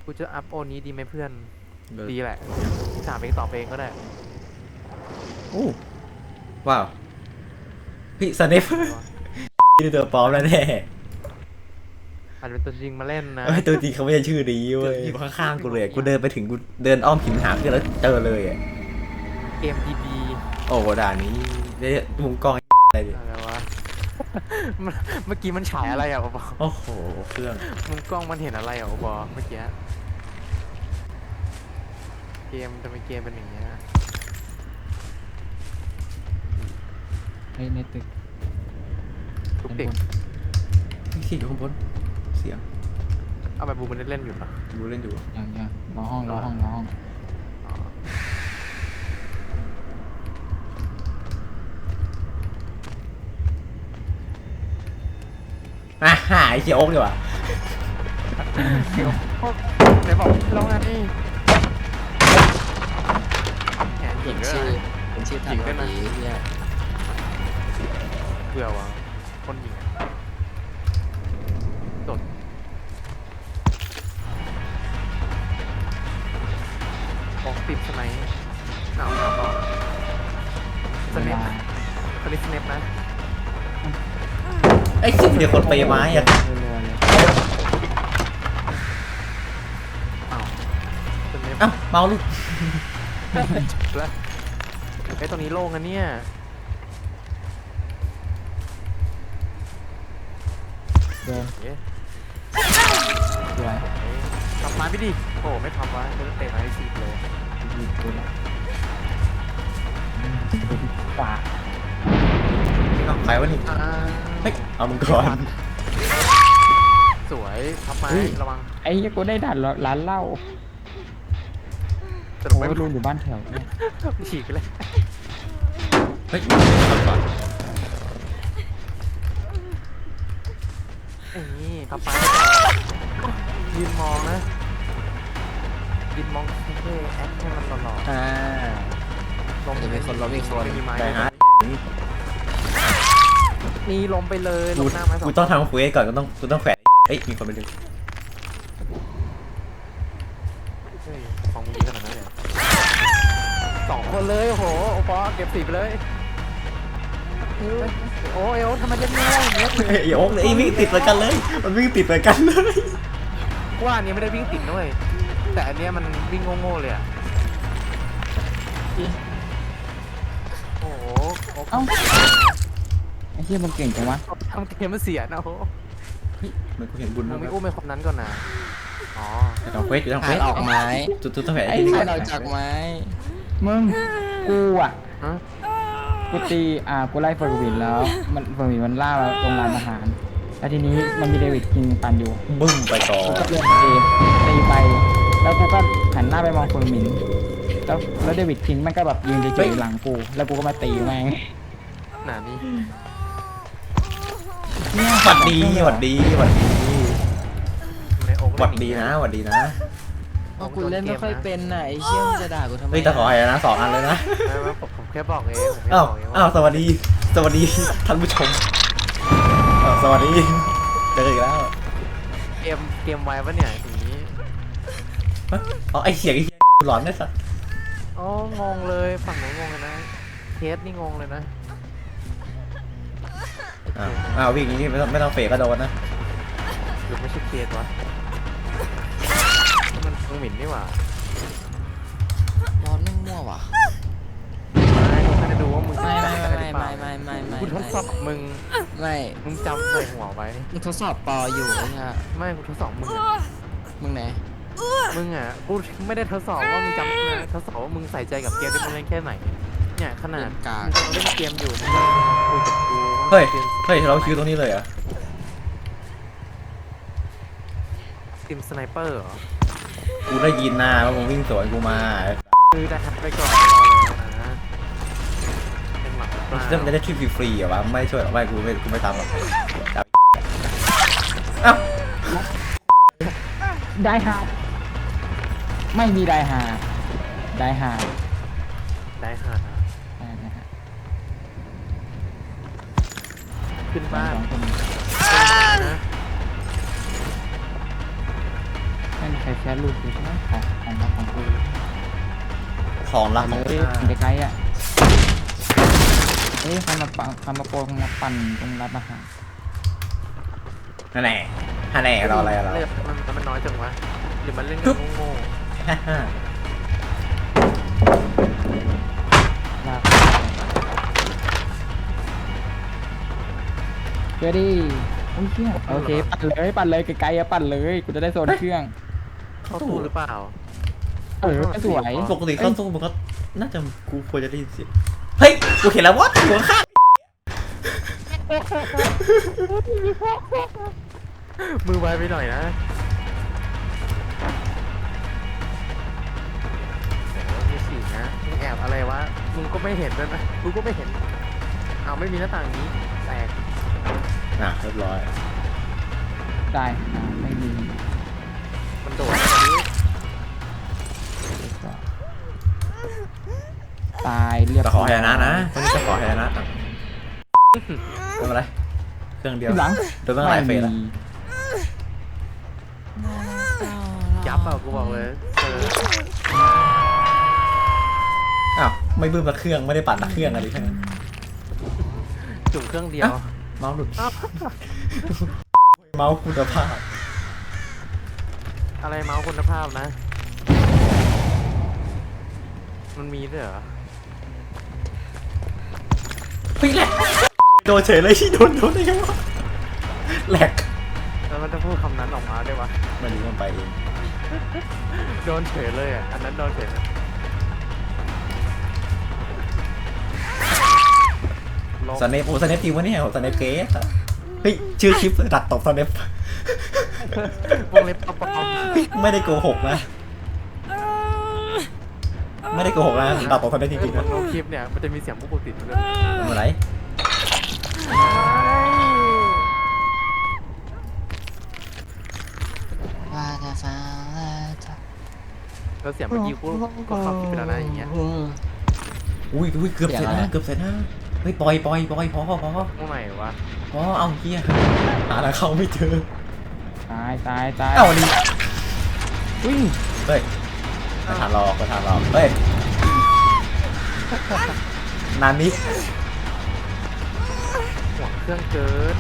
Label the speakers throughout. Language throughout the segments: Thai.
Speaker 1: กูจะอัพโอนี้ดีไหมเพื่อนดีแหละถามเองตอบเองก็ได้
Speaker 2: โอ้ว้าวพี่สเนปชื่อตัวปลอมแล้วแน่
Speaker 1: อาจจะเป็นตัวจริงมาเล่นนะ
Speaker 2: ตัวจริงเขาไม่ใช่ชื่อนี้เว้ยอยู่ข้างๆกูเลยกูเดินไปถึงกูเดินอ้อมหินหาเพื่อนแล้วเจอเลย
Speaker 1: เกมดี
Speaker 2: โอ้ด่านนี้ได้มุมกล้องอะไรดิ
Speaker 1: อะไรวะเมื่อกี้มันฉายอะไรอ่ะบอ
Speaker 2: โอ้โหเครื่อง
Speaker 1: มุมกล้องมันเห็นอะไรอ่ะบอเมื่อกี้เกมจะไม่เกมเป็นอย่างเงี้ย
Speaker 3: ในตึก
Speaker 1: ทุกเด็ก
Speaker 2: เสียงอยู่ข้างบนเสียง
Speaker 1: เอาไปบูมันเล่นอยู่ปะ
Speaker 2: ดูเล่นอยู่
Speaker 3: อย่างรอห้อง
Speaker 2: ไอ้เชี่ยโอ๊กดีกว่า
Speaker 1: ไหนบอกเราไงนี่แหนหญิงด้วย
Speaker 3: เป็นชื่อทำดีเนี่ย
Speaker 1: เบื่อวะคนหญิงโดดบอกติดสไนหนาวสเนปเขาเรียกสเนปนะ
Speaker 2: ไอ้ซึ่งเดี๋ยวคนไปไม้อะอ้าวเมาลูก
Speaker 1: แล้วไอ้ตรงนี้โล่งนะเนี่ย
Speaker 3: เดินสวย
Speaker 1: ทำมาไม่ดีโอ้ไม่ทำวะเดินเตะมาให้สิบเลย
Speaker 3: ขวา
Speaker 2: ใครวะนี่เฮ้ยเอามึงก่อน
Speaker 1: สวยทำมาระวัง
Speaker 3: ไอ้ยังกูได้ดันร้านเหล้า
Speaker 1: แต่ไม่
Speaker 3: รู้อยู่บ้านแถวเนี่ย
Speaker 1: ฉีกเลย
Speaker 2: เฮ้ยทำก่อน
Speaker 1: นี่ทำมายืนมองนะยืนมองเท่ๆแอคให้มันหล่อๆลง
Speaker 3: มีคน
Speaker 2: ได้ฮะ
Speaker 1: นี่ล้มไปเลยลงหน้ามา
Speaker 2: กูต้องทำเควสก่อนกูต้องแขวนเฮ้ยมีคนไปดึง
Speaker 1: ฟังมึงดีขนาดนั้นเลย2 คนเลยโอ้โหโอปอเก็บ10ไปเลยโอ้ยทำไมจะง่ายอย่างเงี้ย
Speaker 2: โอ๊กเลยวิ่งติดไปกันเลยมันวิ่งติดไปกันเลย
Speaker 1: ว่าอันนี้ไม่ได้วิ่งติดด้วยแต่อันเนี้ยมันวิ่งโง่ๆเลยอ่ะโอ้โห
Speaker 3: เอ้าไอ้เหี้ยมันเก่งจังวะ
Speaker 1: ทำเกมมันเสียนะโอ้
Speaker 2: มันกูเห็นบุญ
Speaker 1: มึงไม่อุ้มไปคนนั้นก่อนนะอ๋อ
Speaker 2: ทำเควสอยู่ทำเควส
Speaker 3: ออกไม้
Speaker 2: จุดต้องแขวน
Speaker 3: ไอ้เหี้ยเราจากไม้มึงกูอ่ะกูตีกูไล่เฟอร์วินแล้วเฟอร์วินมันล่าตรงร้านอาหารแล้วทีนี้มันมีเดวิดคิงปันอยู่
Speaker 2: บึ้มไปต่อ
Speaker 3: กูก็เล่นตีไปแล้วกูก็หันหน้าไปมองเฟอร์วินแล้วเดวิดคิงมันก็แบบยืนเฉยๆหลังกูแล้วกูก็มาตีแม่ง
Speaker 1: หนานี่
Speaker 2: หวัดดีนะหวัดดีนะ
Speaker 3: กูเล่นไม่ค่อยเป็นน่ะไอ้เชี่ยมจะด่ากูทำไม
Speaker 2: เฮ้ยแต่ขอให้นะ2 อันเลยนะ
Speaker 1: ผมแค่บอกเอง
Speaker 2: อ้าวสวัสดีท่านผู้ชมสวัสดีเจออีกแล้ว
Speaker 1: เกมไว้ปะเนี่ยทีนี้
Speaker 2: อ๋อไอเสียงหลอนได้สัก
Speaker 1: อ๋องงเลยฝั่งหนูงงเลยนะเคสนี่งงเลยนะ
Speaker 2: วิ่งอย่างนี้ไม่ต้องเฟกก็โดนนะ
Speaker 1: หรือไม่ใช่เคสวะมันหมิ่นนี่หว่า
Speaker 3: ร้อนไม่มั่วว่ะ
Speaker 1: ไม่ได้ดูว่ามึง
Speaker 3: ไม่
Speaker 1: กูทดสอบมึงจำใส่หัวไว้
Speaker 3: มึงทดสอบปออยู่ใช่
Speaker 1: ไม่กูทดสอบมึง
Speaker 3: ไหน
Speaker 1: มึงอ่ะกูไม่ได้ทดสอบว่ามึงจำนะทดสอบว่ามึงใส่ใจกับเกมที่มึงเล่นแค่ไหนเนี่ยขนาดมึงเล่นเกมอยู่มึงคุยกับกู
Speaker 2: เฮ้ยเราคิวตรงนี้เลยอ่ะ
Speaker 1: ทีมสไนเปอร์เหรอ
Speaker 2: กูได้ยินนะว่ามึงวิ่งสวนกูมา
Speaker 1: คือได้ทักไปก่อนนะเป็นหลัก
Speaker 2: จะได้ทริปฟรีๆอ่ะวะไม่ช่วยหรอกไม่กูไม่ทำหรอก
Speaker 3: ได้ฮาไม่มีได้ฮา
Speaker 1: ขึ้นบ้าน
Speaker 3: ไไม่มีใครแค่รูปกูใช่ไหมของกู
Speaker 2: ของรัก
Speaker 3: เล
Speaker 2: ของ
Speaker 3: ยไกลๆอ่ะเฮ้ยใครมาโปรมาปั่นตรงร้านอาหาร
Speaker 2: นั่นแหละฮันแหน่เราอะไรเรา
Speaker 1: เลือดมันน้อยจังวะหรือมันเล่นกันโง่
Speaker 3: ลากเดี๋ยวดิโอ้ยเชี่ยโอเคปั่นเลยไกลๆอะปั่นเลยกูจะได้โซนเครื่อง
Speaker 1: ๆเข้าตู้หรือเปล่า
Speaker 3: สวย
Speaker 2: ปกติเข้าตู้มันก็น่าจะกูควรจะได้ยินเสียงเฮ้ยกูเห็นแล้ววะหัวข้าง
Speaker 1: มือไวไปหน่อยนะมีฉีกนะมึงแอบอะไรวะมึงก็ไม่เห็นด้วยนะกูก็ไม่เห็นเอาไม่มีหน้าต่างนี้แตก
Speaker 2: เรียบร้อย
Speaker 3: ได้ไม่มี
Speaker 1: มันโดดแบบนี้
Speaker 3: ตายเรียบ
Speaker 2: จะขอแฮนะนะตอนนี้จะขอแฮนะทำอะไรเครื่องเดียว
Speaker 3: หลัง
Speaker 2: โดนเมื่อไหร่เฟสแล้ว
Speaker 1: ยับอ่ะกูบอกเลย
Speaker 2: อ้าวไม่บึ้มละเครื่องไม่ได้ปั่นละเครื่องอะไรทั้งนั้น
Speaker 1: จุ่มเครื่องเดียว
Speaker 2: เมาส์หลุดเมาส์คุณภาพ
Speaker 1: อะไรเมาส์คุณภาพนะ มันมีด้วยเหรอ
Speaker 2: เฮ้ยแหลกโดนเฉยเลยที่โดนได้ยังวะแหลก
Speaker 1: แล้วมันจะพูดคำนั้นออกมาได้ปะ
Speaker 2: ไม่รู้มันไปเอง
Speaker 1: โดนเฉยเลยอ่ะ อันนั้นโดนเฉยเลยลบ
Speaker 2: สเนปสเนปจริงวะเนี่ยสเนปเกสเฮ้ยชื่อคลิปดักตบสเนป
Speaker 1: วงเล็บปอม
Speaker 2: ไม่ได้โกหกนะไม่ได้โกหกนะดักตบสเนปจริงๆ
Speaker 1: มั
Speaker 2: นะ
Speaker 1: นลงคลิปเนี่ย มันจะมีเสียงพวกกูติดมาด้วย
Speaker 2: ทำอะไร
Speaker 1: แล้วเสียงเมื่อกี้กูก็เข้าคลิปไปแล้วนะอย่างเงี้ย
Speaker 2: อุ้ยเกือบเสร็จนะเกือบเสร็จนะเฮ้ยปล่อยพอ
Speaker 1: ตรงไหนวะ
Speaker 2: เอาเฮียหาอะไรเข้าไม่เจอ
Speaker 3: ตาย
Speaker 2: เอ้านี่
Speaker 3: อุ้ย
Speaker 2: เฮ้ยกระถางรอกเฮ้ยนานิ
Speaker 1: หัวเครื่องเกิน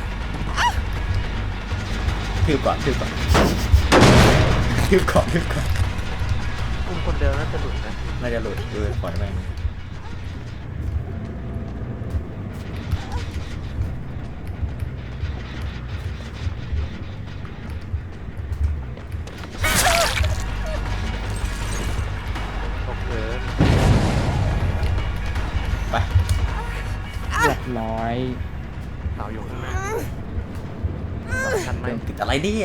Speaker 2: ทืบก่อน
Speaker 1: อุ้มคนเดิมน่าจะหลุดนะ
Speaker 2: น่าจะหลุดดูปล่อยแม่ง
Speaker 1: ตกเกิน
Speaker 2: ไป
Speaker 3: เรียบร้อย
Speaker 1: เสาอยู่ข้างหน้าสำคัญไหม
Speaker 2: ติดอะไรเนี่ย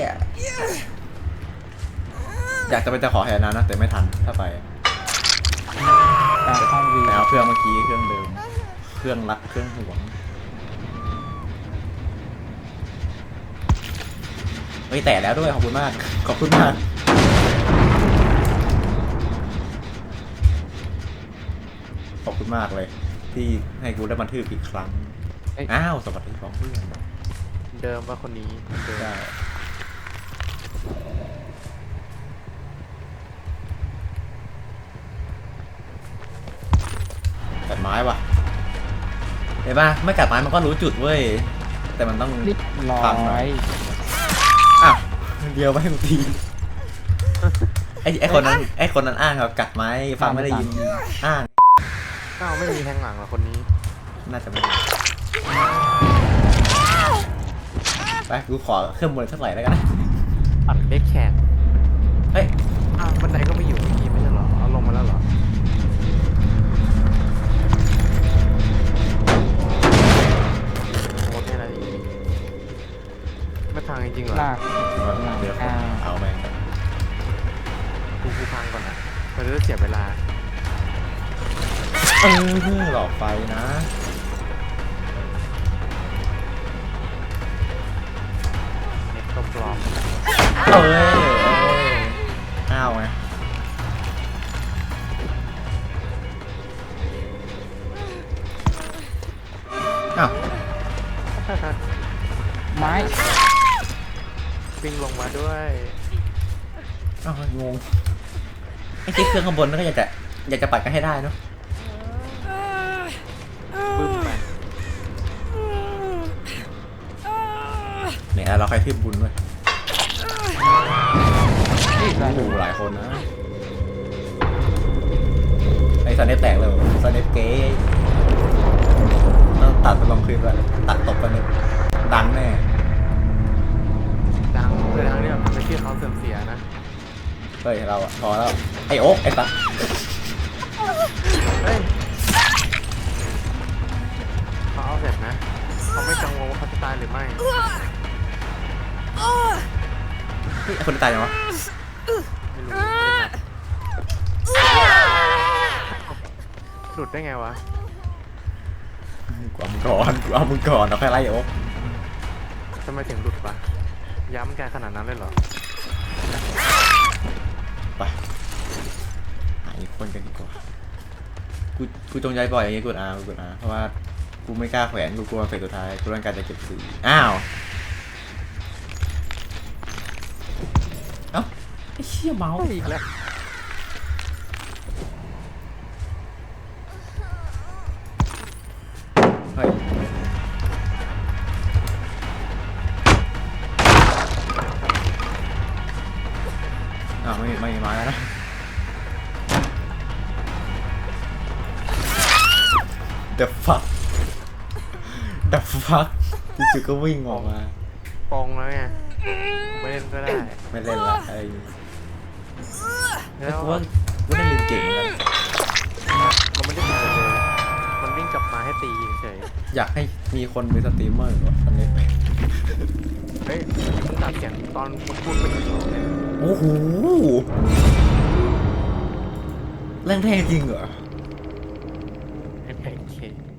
Speaker 2: อยากจะไปจะขอแฮนนะแต่ไม่ทันถ้าไป
Speaker 3: แต่ห้องวี
Speaker 2: แต่เอาเครื่องเมื่อกี้เครื่องเดิมเครื่องรักเครื่องห่วงเฮ้ยแต่แล้วด้วยขอบคุณมากขอบคุณมากเลยที่ให้กูได้บันทึกอีกครั้งอ้าวสวัสดีของเพื่อน
Speaker 1: เดิมว่าคนนี้เดิม
Speaker 2: ได้กัดไม้ว่ะเห็นป่ะไม่กัดไม้มันก็รู้จุดเว้ยแต่มันต้อง
Speaker 3: เรียบร้อ
Speaker 2: ฟังหน่อย
Speaker 3: ย
Speaker 2: อ้าวเดียวไม่ให้กูทีไอ้คนนั้นอ้างครับกัดไม้ฟังไม่ได้ยินอ้าง
Speaker 1: อ้าวไม่มีแทงหลังเหรอคนนี้
Speaker 2: น่าจะไม่มีไปกูขอเครื่องบนสักหน่อยแล้วกันนะ
Speaker 1: ปั่นเด็กแขน
Speaker 2: เฮ้ย
Speaker 1: อ้าวบันไดก็ไม่อยู่เมื่อกี้ไม่ใช่เหรอ เอาลงมาแล้วเหรอโคตรแค่นั้นเองไม่ทางจริงๆเหรอ
Speaker 3: ลาก
Speaker 2: เดี๋ยวเอาแม่งก่อน
Speaker 1: กูพังก่อนนะมันจะเสียเวลา
Speaker 2: หลอกไฟนะ
Speaker 1: เน็ตก็ปลอม
Speaker 2: อ้าวไงอ้าว
Speaker 3: ไม้
Speaker 1: วิ่งลงมาด้วย
Speaker 2: งงไอ้ที่เครื่องข้างบนนั่นก็อยากจะปัดกันให้ได้เนาะ
Speaker 1: บึ้มไป
Speaker 2: เนี่ยเราใครทืบบุญด้วย
Speaker 3: นี่อะไร
Speaker 2: โอ้โหหลายคนนะไอ้ซันเนปแตกเลยซันเนปเก๋ต้องตัดไปลงคลิปแล้วตัดตบกันเลยดังแน่
Speaker 1: ดังเลยดังเนี่ยมันไม่ชื่อเขาเสื่อมเสียนะ
Speaker 2: เฮ้ยเราอะพอแล้วไอ้โอ๊กไอ้ตั๊ก
Speaker 1: เฮ้ยเขาเอาเสร็จนะเขาไม่กังวลว่าเขาจะตายหรือไม่
Speaker 2: เฮ้ยไอ้คนที่ตายยังวะ
Speaker 1: ไม่รู้หลุดได้ไงวะ
Speaker 2: กูเอามึงก่อนเอาแค่ไล่โอ๊ก
Speaker 1: ทำไมถึงหลุดวะย้ำแกขนาดนั้นเลยเหรอ
Speaker 2: ไปหาอีกคนกันดีกว่ากูจงใจปล่อยอย่างงี้กดอาเพราะว่ากูไม่กล้าแขวนกูกลัวเฟสสุดท้ายกูต้องการจะเก็บสีอ้าวเอ้าไอ้เชี่ยเมาส์
Speaker 1: อีกแล้ว
Speaker 2: เฮ้ยอ้าวไม่มีไม้แล้วนะ The fuck The fuck จู่ๆก็วิ่งออกมา
Speaker 1: ปองแล้วไงไม่เล่นก็ได้
Speaker 2: ไม่เล่นละอะไรอย่างงี้
Speaker 1: แล้
Speaker 2: แต่
Speaker 1: ว
Speaker 2: กูว่าเล่นเก่งเหมือนกัน
Speaker 1: มันไม่ได้ทำอะไรเลยมันวิ่งกลับมาให้ตีเฉย
Speaker 2: อยากให้มีคนเป็นสตรีมเมอร์วะตอนนี้
Speaker 1: เฮ้ยมึงตัดเสียงตอนมึงพูดไปถึงเนี่ย
Speaker 2: โอ้โหแรงแทงจริงเหรอ
Speaker 1: โอเค